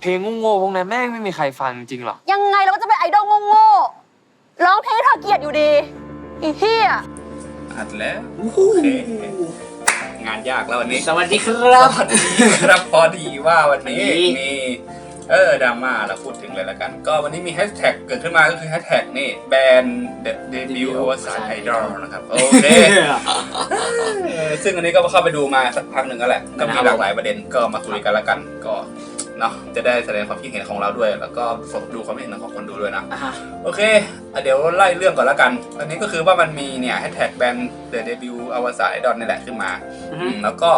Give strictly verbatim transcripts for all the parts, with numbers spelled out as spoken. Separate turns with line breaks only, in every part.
เพลงโง่ๆพวกนั้นแม่งไม่มีใครฟังจริงหรอก
ยังไงเราก็จะเป็นไอดอลโง่ๆร้องเพลงเธอเกลียดอยู่ดีอีเหี้ย
อัดแล้วโอเคงานยากแล้ววันนี้
สวัสดีครับ
สวัสดีครับพอดีว่าวันนี้มีเออดราม่าเราพูดถึงเลยละกันก็วันนี้มีแฮชแท็กเกิดขึ้นมาก็คือแฮชแท็กนี่แบนเดบิวต์อวสานไอดอลนะครับโอเคซึ่งอันนี้ก็เข้าไปดูมาสักพักหนึ่งก็แหละก็มีหลากหลายประเด็นก็มาคุยกันละกันก็เนาะจะได้แสดงความคิดเห็นของเราด้วยแล้วก็ดูความคิดเห็นของคนดูด้วยนะโอเคเดี๋ยวไล่เรื่องก่อนละกันอันนี้ก็คือว่ามันมีเนี่ยแฮชแท็กแบนเดบิวต์อวสานไอดอลนี่แหละขึ้นมาแล้วก็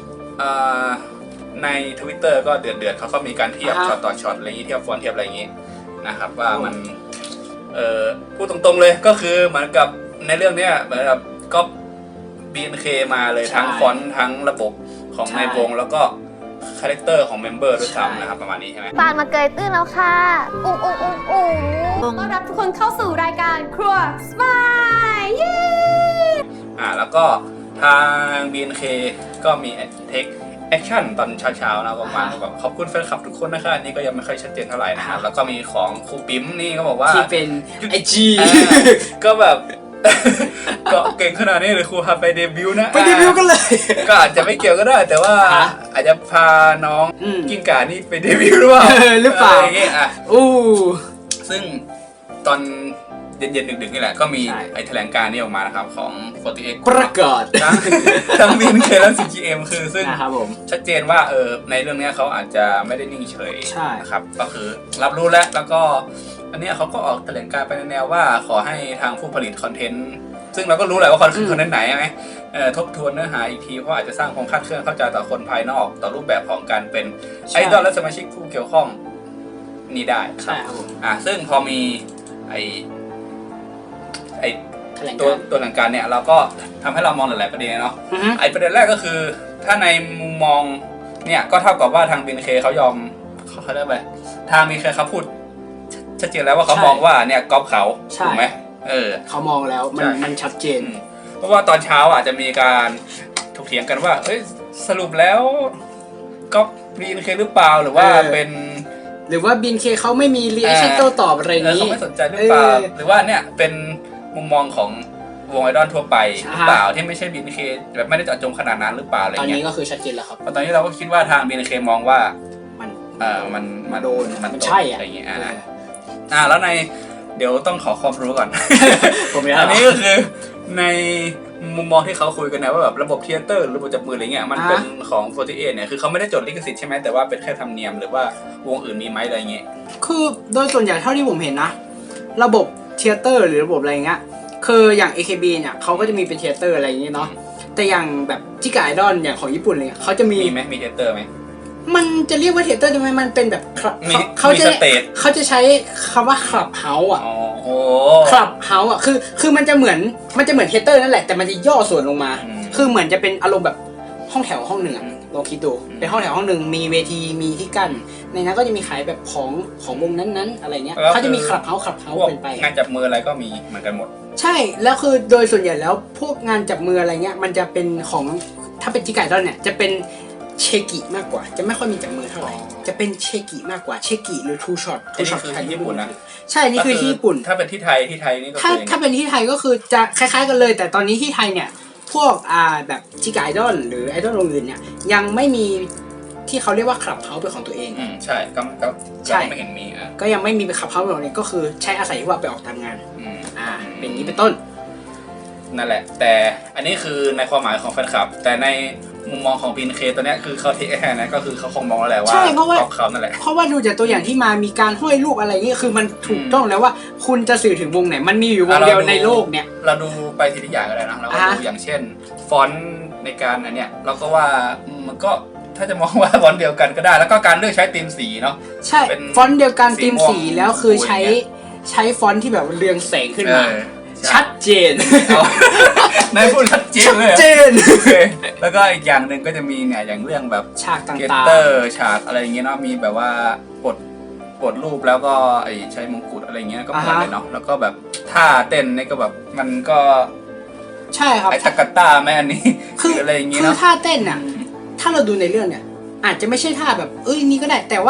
ใน Twitter ก็เดือดเดือดเขาก็มีการเทียบช็อตต่อช็อตอะไรอย่างนี้เทียบฟอนต์เทียบอะไรอย่างนี้นะครับว่ามันเอ่อพูดตรงๆเลยก็คือเหมือนกับในเรื่องเนี้ยเหมือนกับก็ บี เอ็น เค มาเลยทั้งฟอนต์ทั้งระบบของในวงแล้วก็คาแรคเตอร์ของเมมเบอร์ด้วยซ้ำนะครับประมาณนี้ใช่ไหม
ปานมาเกยตื้นแล้วค่ะอุ้งอุ้งอุ้งอุ้งต้อนรับทุกคนเข้าสู่รายการครัวสมายเย้
อ่าแล้วก็ทาง บี เอ็น เค ก็มีเทคแอคชั่นตอนเช้าๆนะประมาณแบบขอบคุณแฟนคลับทุกคนนะคะอันนี้ก็ยังไม่ค่อยชัดเจนเท่าไหร่นะครับแล้วก็มีของครูปิ๊มนี่ก็บอกว่า
ที่เป็นไอจี
ก็แบบก็เก่งขนาดนี้เลยครูพาไปเดบิวต์นะ
ไปเดบิวต์กันเลย
ก็อาจจะไม่เกี่ยวก็ได้แต่ว่าอาจจะพาน้องกิ้งก่านี่ไปเดบิวต์หรือเปล่า
หรือเปล่า
อย่างเงี้ยอ่ะ
อู้
ซึ่งตอนเย็นๆดึกๆนี่แหละก็มีไอแถลงการณ์นี้ออกมานะครับของโฟร์ตี้เอ็กซ์
ประกาศ
ทั้ง บี เอ็น เค และ ซี จี เอ็ม คือซึ่งชัดเจนว่าเออในเรื่องนี้เขาอาจจะไม่ได้นิ่งเฉยนะครับก็คือรับรู้แล้วแล้วก็อันนี้เขาก็ออกแถลงการณ์ไปในแนวว่าขอให้ทางผู้ผลิตคอนเทนต์ซึ่งเราก็รู้แหละว่าคอนเทนต์ไหนไหมทบทวนเนื้อหาอีกทีเพราะอาจจะสร้างความคาดเคลื่อนเข้าใจต่อคนภายนอกต่อรูปแบบของการเป็นไอดอลและสมาชิกผู้เกี่ยวข้องนี้ได้
ใช่ครับ
อ่าซึ่งพอมีไอไอตัวตัวหลังการเนี่ยเราก็ทำให้เรามองหลายๆประเด็นเนาะไอประเด็นแรกก็คือถ้าในมุมมองเนี่ยก็เท่ากับว่าทาง บี เอ็น เค เขายอมเขาเขาได้ไปทาง บี เอ็น เค เขาพูดชัดเจนแล้วว่าเขามองว่าเนี่ยก๊อปเขาถูกไหมเออ
เขามองแล้วมันมันชัดเจน
เพราะว่าตอนเช้าอ่ะจะมีการถกเถียงกันว่าเอ้ยสรุปแล้วก๊อป บี เอ็น เค หรือเปล่าหรือว่าเป็น
หรือว่า บี เอ็น เค เขาไม่มีรีแอคชั่นโต้ตอบอะไรนี้
เขาไม่สนใจหรือเปล่าหรือว่าเนี่ยเป็นมุมมองของวงไอดอลทั่วไปหรือเปล่าที่ไม่ใช่ บี เอ็น เค แบบไม่ได้เจาะจงขนาดนั้นหรือเปล่าอะไรเงี้ย
ตอนนี้ก็คือชัดเจนแล้วครับ
ตอนนี้เราก็คิดว่าทาง บี เอ็น เค มองว่า
มัน
เออมัน
มันโดน
มัน
ใช่
อะไรเงี้ยอ่าอ่าแล้วในเดี๋ยวต้องขอความรู้ก่อน
ผม
อันนี้ก็คือในมุมมองที่เขาคุยกันนะว่าแบบระบบเทเตอร์ระบบจับมืออะไรเงี้ยมันเป็นของโฟร์ตี้เอ็กซ์เนี่ยคือเขาไม่ได้จดลิขสิทธิ์ใช่ไหมแต่ว่าเป็นแค่ธรรมเนียมหรือว่าวงอื่นมีไหมอะไรเงี้ย
คือโดยส่วนใหญ่เท่าที่ผมเห็นนะระบบเทเตอร์หรือระบบอะไรเงี้ยคืออย่าง เอ เค บี เนี่ยเขาก็จะมีเป็นเทเตอร์อะไรอย่างเงี้ยเนาะแต่อย่างแบบจิกาไอดอลอย่างของญี่ปุ่นเลยเขาจะมี
มีไหมมีเทเตอร์ไหม
มันจะเรียกว่าเทเตอร์ได้ไหมมันเป็นแบบ
เขาจะ
เขาจะใช้คำว่าคลับเฮาส์อ่ะ
โอ้
คลับเฮาส์อ่ะคือคือมันจะเหมือนมันจะเหมือนเทเตอร์นั่นแหละแต่มันจะย่อส่วนลงมาคือเหมือนจะเป็นอารมณ์แบบห้องแถวห้องหนึ่งลองคิดดูเป็นห้องแถวห้องหนึ่งมีเวทีมีที่กั้นในนั้นก็จะมีขายแบบของของวงนั้นๆอะไรเงี้ยเขาจะมีคลับเฮาส์คลับเฮาส์เป็นไป
งานจับมืออะไรก็มีเหมือนกันหมด
ใช่แล้วคือโดยส่วนใหญ่แล้วพวกงานจับมืออะไรเงี้ยมันจะเป็นของถ้าเป็นจิกาไอดอลเนี่ยจะเป็นเชกิมากกว่าจะไม่ค่อยมีจับมือเท่าไหร่จะเป็นเชกิมากกว่าเชกิหรือทูช็อต
ทูช็อตที่ญี่ปุ่นนะ
ใช่นี่คือที่ญี่ปุ่น
ถ้าเป็นที่ไทยที่ไทยนี่ก็
ถ้าถ้าเป็นที่ไทยก็คือจะคล้ายๆกันเลยแต่ตอนนี้ที่ไทยเนี่ยพวกอ่าแบบจิกาไอดอลหรือไอดอลวงอื่นเนี่ยยังไม่มีที่เขาเรียกว่าคลับเฮาส์เป็นของตัวเอง
อืมใช่ก็ก็
ใช่
ไม่เห็นมีอ่ะ
ก็ยังไม่มีเป็นคลับเฮาส์เป็นของตัวเองก็คือใช้อาศัยที่ว่าไปออกตามงานอืมอ่าเป็นนี้เป็นต้น
นั่นแหละแต่อันนี้คือในความหมายของแฟนคลับแต่ในมุมมองของ บี เอ็น เค ตัวนี้คือเขาเทคแค่นั้นก็คือเขาคงมองแล้วแหละว่าของเขานั่นแหละ
เพราะว่าดูจากตัวอย่างที่มามีการห้อยรูปอะไรนี่คือมันถูกต้องแล้วว่าคุณจะสื่อถึงวงไหนมันมีอยู่วงเดียวในโลกเนี่ย
เราดูไปทีละอย่างก็ได้นะเราก็ดูอย่างเช่นฟอนต์ในการอันเนี้ยเราก็ว่ามันก็ถ้าจะมองว่าฟอนต์เดียวกันก็ได้แล้วก็การเลือกใช้ธีมสีเนาะ
ใช่ฟอนต์เดียวกันธีมสีแล้วคือใช้ใช้ฟอนต์ที่แบบเรืองแสงขึ้นมาชัดเจน
นายพูดชัดเจนเลยชัดเจ
น
แล้วก็อีกอย่างหนึ่งก็จะมีเนี่ยอย่างเรื่องแบบ
ฉากต่างๆเก
ตเตอร์ฉากอะไรอย่างเงี้ยเนาะมีแบบว่ากดกดรูปแล้วก็ไอใช้มงกุฎอะไรเงี้ยก็เหมือนเลยเนาะแล้วก็แบบท่าเต้นนี่ก็แบบมันก็
ใช่ครับ
ไอทักกะต้าแม่อันนี้คืออะไรอย่างเงี้ย
คือท่าเต้นอ่ะถ้าเราดูในเรื่องเนี่ยอาจจะไม่ใช่ท่าแบบเอ้ยนี่ก็ได้แต่ว่า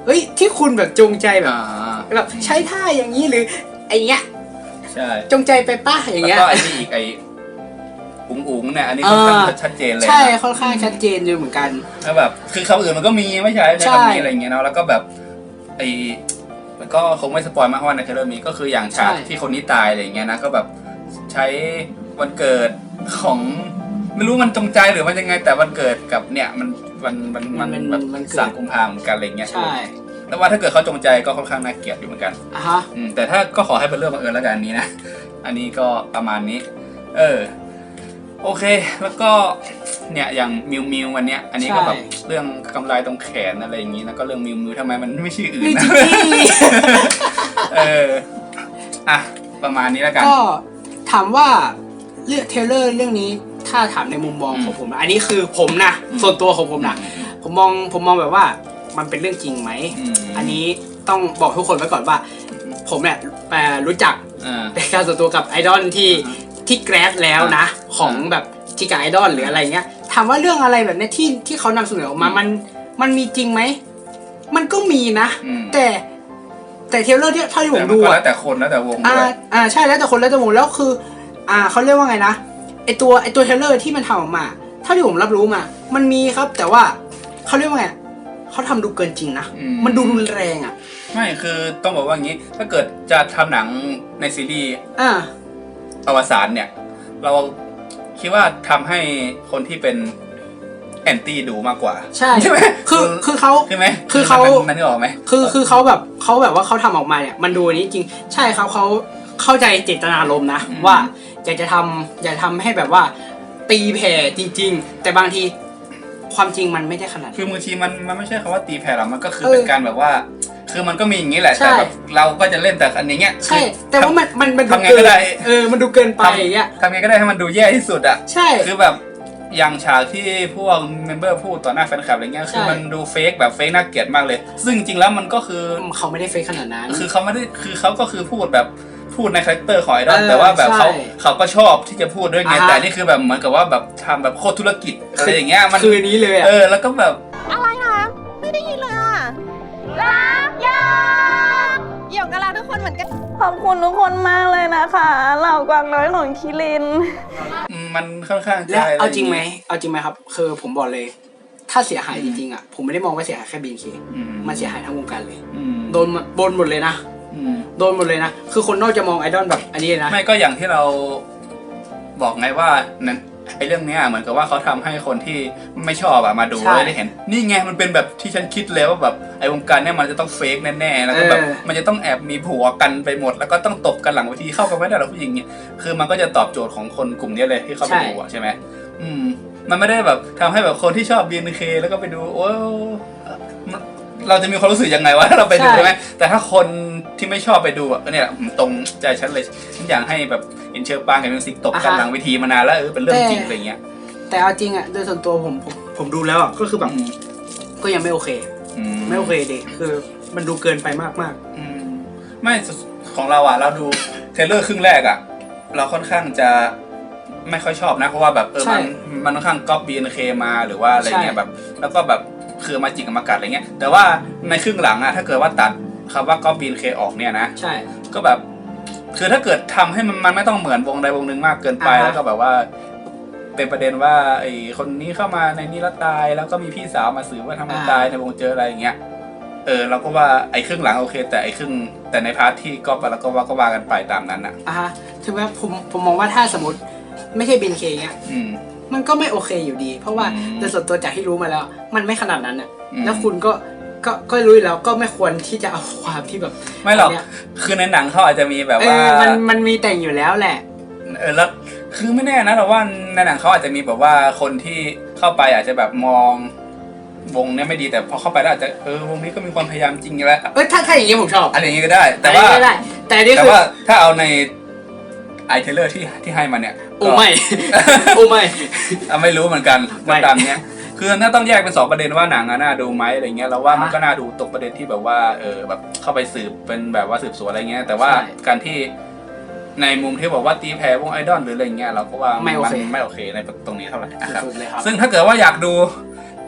เฮ้ยที่คุณแบบจงใจแบบ
อ่า
แบบใช้ท่าอย่างนี้หรือไอเงี้ย
ใช่
จงใจไปป้าอย่าง
แล้ว
เงี้ย
ก็ไอ้นี่อีกไอ้อุ๋งอุ๋งเนี่ยอันนี้ค่อนข้าง
อ่า
ชัดเจนเลย
ใช่
นะ
ค่อนข้างชัดเจนอยู่เหมือนกัน
แล้วแบบคือคำอื่นมันก็มีไม่ใช่ใช้
ใช่
คำนี้อะไรอย่างเงี้ยเนาะแล้วก็แบบไอ้มันก็คงไม่สปอยมากเพราะว่าในเทรลเลอร์มีก็คืออย่างฉากที่คนนี้ตายอะไรอย่างเงี้ยนะก็แบบใช้วันเกิดของไม่รู้มันจงใจหรือมันยังไงแต่วันเกิดกับเนี่ยมันมันมันมันแบบสามกุมภาพันธ์เหมือนกันอะไรเงี้ย
ใช่
แต่ว่าถ้าเกิดเขาจงใจก็ค่อนข้างน่าเกลียดอยู่เหมือนกัน
อ่ะฮะ
อืมแต่ถ้าก็ขอให้เป็นเรื่องบังเอิญแล้วกันอันนี้นะ อันนี้ก็ประมาณนี้ เออ โอเค แล้วก็เนี่ยอย่างมิวมิววันเนี้ย อันนี้ก็แบบเรื่องกำไรตรงแขนอะไรอย่างงี้แล้วก็เรื่องมิวมิวทำไมมันไม่ชื่ออื่น
นี่
นะ
จริง
เออ อ่ะ ประมาณนี้แล้วกัน
ก็ถามว่าเรื่องเทรลเลอร์เรื่องนี้ถ้าถามในมุมมองของผมนะอันนี้คือผมนะ
อืม
ส่วนตัวของผมนะผมมองผมมองแบบว่ามันเป็นเรื่องจริงไหม
อืม
อันนี้ต้องบอกทุกคนไว้ก่อนว่า ผมเนี่ยเอ่อรู้จัก
อ่า
ในการส่วนตัวกับไอดอลที่
อ่า
ที่แกรสแล้วนะ ของแบบจิกาไอดอลหรืออะไรเงี้ยถามว่าเรื่องอะไรแบบเนี้ยที่ที่เขานำเสนอออกมามันมันมีจริงไหมมันก็มีนะ
อืม
แต่แต่เทรลเลอร์ที่เท่าที่ผ
แต่
ม
มัน
ดู
ก็
อะ
แล้วแต่คนแล้วแต่วง
อ่า
ด้วย
อ่าใช่แล้วแต่คนแล้วแต่วงแล้วคือ อ่าเขาเรียกว่าไงนะไอตัวไอตัวเทรลเลอร์ที่มันทำออกมาเท่าที่ผมรับรู้มา มันมีครับ แต่ว่าเขาเรียกว่าไงเขาทำดูเกินจริงนะ
อื
มันดูรุนแรงอ่ะ
ไม่คือต้องบอกว่างี้ ถ้าเกิดจะทำหนังในซีรีส์
อ่า
อวสานเนี่ย เราคิดว่าทำให้คนที่เป็นแอนตี้ดูมากกว่า
ใช่
ใช่ไหม
คือคือเขา
ใช่ไหม
คือเขา
มันนึกออกไหม
คือคือเขาแบบเขาแบบว่าเขาทำออกมาเนี่ยมันดูอันนี้จริงใช่ครับเขาเข้าใจเจตนารมณ์นะว่าอยากจะทำอยากจะทำให้แบบว่า ตีแผ่จริง ๆ แต่บางทีความจริงมันไม่ได้ขนาด
คือบางทีมันมันไม่ใช่คำว่าตีแผ่หรอกมันก็คือ
เออ
เป็นการแบบว่า คือมันก็มีอย่างนี้แหละ
ใช่
แต่แบบเราก็จะเล่นแต่อันนี้เงี้ย
ใช่ แต่ว่ามันมันมันดู
ทำไง
เกิ
ก็
น
ได้
เออมันดูเกินไปอย่างเงี้ย
ทำไงก็ได้ให้มันดูแย่ที่สุดอ่ะ
ใช่
คือแบบอย่างฉากที่พวกเมมเบอร์พูดต่อหน้าแฟนคลับอะไรเงี้ย
ใช่
คือมันดูเฟกแบบเฟกน่าเกลียดมากเลย ซึ่งจริงๆแล้วมันก็คือ
เขาไม่ได้เฟซขนาดนั้น
คือเขาไม่ได้คือเขาก็คือพูดแบบพูดในคาแรคเตอร์ของไอดอล
เออ
แต่ว่าแบบเขา
ใช่
เขาก็ชอบที่จะพูดด้วยไง
อ่าฮะ
แต่นี่คือแบบเหมือนกับว่าแบบทำแบบโคตรธุรกิจอะไรอย่างเงี้ยมัน
คือนี้เลยอ่ะ
เออแล้วก็แบบ
อะไรนะไม่ได้ยินเลยอ่ะ
รักยา
หยกกับเราทุกคนเหมือนกัน
ขอบคุณทุกคนมากเลยนะคะเหล่ากวางน้อยของคิริน
มันค่อนข้าง
และ
ใช่
เอาจริงไหมเอาจริงไหมครับ คือผมบอกเลย ถ้าเสียหายจริงๆอ่ะผมไม่ได้มองว่าเสียหายแค่บีนเค
อืม
มันเสียหายทั้งวงการเลย
อืม
โดนหมดโดนหมดเลยนะ
อืม
โดนหมดเลยนะ คือคนนอกจะมองไอดอลแบบอันนี้เลยนะ
ไม่ก็อย่างที่เราบอกไงว่านั่นไอ้เรื่องเนี้ยเหมือนกับว่าเขาทำให้คนที่ไม่ชอบอะมาดู
ใช่
แล้วได้เห็น นี่ไงมันเป็นแบบที่ฉันคิดเลยว่าแบบไอ้วงการเนี้ยมันจะต้องเฟกแน่ๆแล้วก็แบบ
เออ
มันจะต้องแอบมีผัวกันไปหมด แล้วก็ต้องตบกันหลังเวทีเข้ากันไม่ได้หรอกผู้หญิงเนี่ยคือมันก็จะตอบโจทย์ของคนกลุ่มนี้เลยที่เข้าไปดูอะใช่ไหมอืม มันไม่ได้แบบทำให้แบบคนที่ชอบ บี เอ็น เค แล้วก็ไปดูโอ้เราจะมีความรู้สึกยังไงวะถ้าเราไปดู
ใช่
ใช่ไหมแต่ถ้าคนที่ไม่ชอบไปดูอ่ะเนี่ยตรงใจฉันเลยฉันอยากให้แบบเอ็นเชอร์ปางกับมิวสิกตบกันหลังเวทีมานานแล้วเออเป็นเรื่องจริงอะไรเงี้ย
แต่เอาจริงอ่ะโดยส่วนตัวผมผมผมดูแล้วอ่ะก็คือแบบก็ยังไม่โอเค
อืม
ไม่โอเคดิคือมันดูเกินไปมากมาก
อืมไม่ของเราอ่ะเราดูเทรลเลอร์ครึ่งแรกอ่ะเราค่อนข้างจะไม่ค่อยชอบนะเพราะว่าแบบเออมันมันค่อนข้างก๊อป บี เอ็น เค มาหรือว่าอะไรเงี้ยแบบแล้วก็แบบคือมาจิกกับมากัดอะไรเงี้ยแต่ว่าในครึ่งหลังอ่ะถ้าเกิดว่าตัดคำว่าก๊อป บี เอ็น เค ออกเนี่ยนะ
ๆใช่
ก็แบบคือถ้าเกิดทำให้มันมันไม่ต้องเหมือนวงใดวงหนึ่งมากเกินไป
อ่าฮะ
แล้วก็แบบว่าเป็นประเด็นว่าไอ้คนนี้เข้ามาในนี้แล้วตายแล้วก็มีพี่สาวมาสืบว่าทำไมตายในวงเจออะไรอย่างเงี้ยเออเราก็ว่าไอ้ครึ่งหลังโอเค แต่ไอ้ครึ่งแต่ในพาร์ทที่ก็แล้วก็ว่าก็ว่ากันไปตามนั้นอ่ะ
อ่ะฮะถึงแม้ผมผมมองว่าถ้าสมมติไม่ใช่บีนเคเงี้ย
อืม
มันก็ไม่โอเคอยู่ดี เพราะว่า
อืม
โดยส่วนตัวจากที่รู้มาแล้ว มันไม่ขนาดนั้นอ่ะ
อืม
แล้วคุณก็ก็ก็รู้อยู่แล้วก็ไม่ควรที่จะเอาความที่แบบ
ไม่หรอก
นเนี้ย
คือในหนังเขาอาจจะมีแบบ
เอ
ว่า
อมันมันมีแต่งอยู่แล้วแหละ
เออแล้วคือไม่แน่นะเราว่าในหนังเขาอาจจะมีแบบว่าคนที่เข้าไปอาจจะแบบมองวงเนี้ยไม่ดีแต่พอเข้าไปแล้วอาจจะเออวงนี้ก็มีความพยายามจริงแล้ว
เออถ้าถ้าอย่างนี้ผมชอบ
อะไรอย่างงี้ก็ได้ แต่ว่า
อันนี้ไม่ได้ แต่อันนี่
แต่
คือ
ว่าถ้าเอาในไอเทเลอร์ที่ที่ให้มาเนี่ย
โอ้ไม่ โอ้ไม่
อ่ะไม่รู้เหมือนกัน
ไม่
ก็ตามเนี้ยคือน่าต้องแยกเป็นสองประเด็นว่าหนังอะน่าดูไหมอะไรเงี้ยเราว่ามัน
อ่ะ
ก็น่าดูตกประเด็นที่แบบว่าเออแบบเข้าไปสืบเป็นแบบว่าสืบสวนอะไรเงี้ยแต่ว่า
ใช่
การที่ในมุมที่บอกว่าตีแผ่วงไอดอลหรืออะไรเงี้ยเราก็ว่า
ไม่โอเค
นไม่โอเคในตรงนี้เท่าไหร่นะครับ
สุดๆเลยครับ
ซึ่งถ้าเกิดว่าอยากดู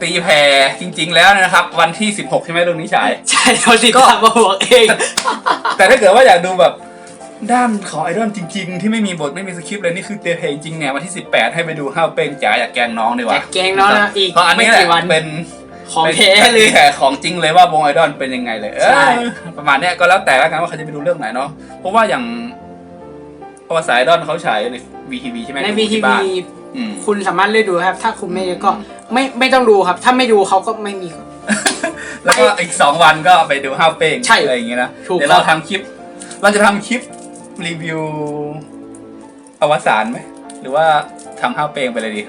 ตีแผ่จริง ๆ แล้วนะครับ วันที่สิบหกใช่ไหมเรื่องนี้ฉาย
ใช่เราติดตามมาบอกเอง
แต่ถ้าเกิดว่าอยากดูแบบด้านของไอดอลจริง ๆ ที่ไม่มีบทไม่มีสคริปต์เลยนี่คือเตะเพลงจริงเนี่ยวันที่สิบแปดให้ไปดูห้าวเป้งจ๋าอยากแกล้งน้องดีกว่า
อยากแกล้งน้องนะอีก
เพราะอันนี้
ไม่
แหละ
กี่วัน
เป็น
ของแท้เลย
แต่ของจริงเลยว่าวงไอดอลเป็นยังไงเลยเออ
ใช่
ประมาณเนี้ยก็แล้วแต่ละกันว่าเขาจะไปดูเรื่องไหนเนาะเพราะว่าอย่างประวัติศาสตร์ไอดอลเขาฉายใน วี ที วี ใช่ไหม
ใน
ดู
วีที
ที่
วี
บ้านอืม
คุณสามารถเลือกดูครับ ถ้าคุณไม่ก็ไม่ไม่ต้องดูครับ ถ้าไม่ดูเขาก็ไม่มี
แล้วก็อีกสองวันก็ไปดูห้าวเป้ง
ใช่
อะไรอย่างเงี้ยนะ
ถูก
เดี๋ยวเรา
ครับ
ทำคลิป เราจะทำคลิปรีวิวอวสานไหมหรือว่าทำห้าวเป้งไปเลยดี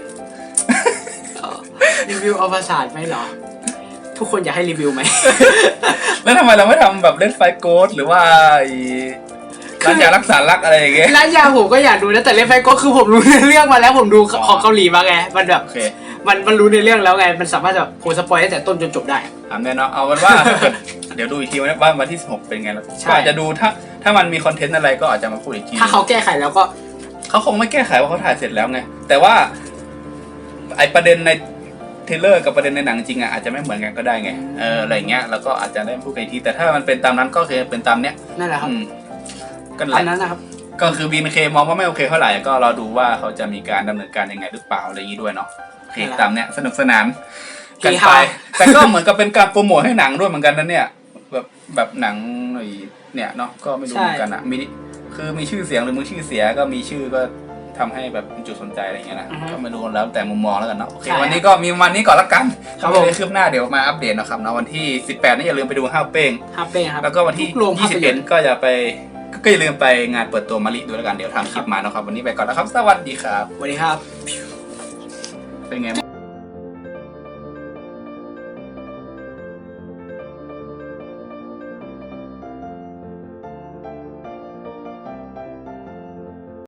รีวิวอวสานไหมเหรอ ทุกคนอยากให้รีวิวไหม
แล้วทำไมเราไม่ทำแบบเล่นไฟโกดหรือว่าไอ้ร้านยารักษารักอะไรอย่างเงี้ย
ร้านยาผมก็อยากดูนะแต่เล่นไฟก็คือผมรู้ในเรื่องมาแล้วผมดู
อ๋อ
ของเกาหลีมาไงมันแบบ
โอเค
มันมันรู้ในเรื่องแล้วไง มันสามารถแบบโพสปอยตั้งแต่ต้นจนจบได้
ถามแน่เนอนเอาเป็นว่า เดี๋ยวดูอีกทีว่าวันที่สิบหกเป็นไงแล้ว
ใช่
ก็อาจจะดูถ้าถ้ามันมีคอนเทนต์อะไรก็อาจจะมาพูดอีกที
ถ้าเขาแก้ไขแล้วก็
เขาคงไม่แก้ไขว่าเขาถ่ายเสร็จแล้วไงแต่ว่าไอประเด็นในเทรลเลอร์กับประเด็นในหนังจริงอ่ะอาจจะไม่เหมือนกันก็ได้ไงเอออะไรเงี้ยแล้วก็อาจจะได้พูดกันอีกทีแต่ถ้ามันเป็นตามนั้นก็คือเป็นตามเนี้ย
นั่นแหละครับ
อืมก็แห
อัน
ละ
นั้นนะครับ
ก็คือบี เอ็น เค มองว่าไม่โอเคเท่าไหร่ก็รอดูว่าเขาจะมีการดำเนินการยังไงหรือเปล่าอะไรอย่างนี้ด้วยเนาะโอเค
ครับ
ตามเนี้ยสนุกสนานกัน
เฮ
ไป
ฮา
แต่ก็เหมือนกับเป็นการโปรโมทให้หนังด้วยเหมือนกันนะเนี่ยแบบแบบหนังไอ้เนี่ยเนาะก็ไม่รู้เหมือนกันอะมีคือมีชื่อเสียงหรือมือชื่อเสียก็มีชื่อก็ทำให้แบบเป็นจุดสนใจอะไรอย่างเงี้ยนะก็ไม่รู้แล้วแต่มุมมองแล้วกันเนาะโอเควันนี้ก็มีวันนี้ก่อนละกัน
ครับ
ไม่
ผม
ได้คืบหน้าเดี๋ยวมาอัปเดตนะครับนะวันที่สิบแปดนี่อย่าลืมไปดูห้าวเป้ง
ฮับเป้ครับ
แล้วก็วันที่
ทุกโรงภา
ยี่
พ
สิบ
ย
เอ็
น
ด
ตร์
ก็อย่าไปก็อย่าลืมไปงานเปิดตัวมาริด้วยแล้วกันเดี๋ยวทำคลิปมานะครับวันนี้ไปก่อนแล้วครับสวัสดีครับ
สวัสดีครับ
เป็นไงบ้าง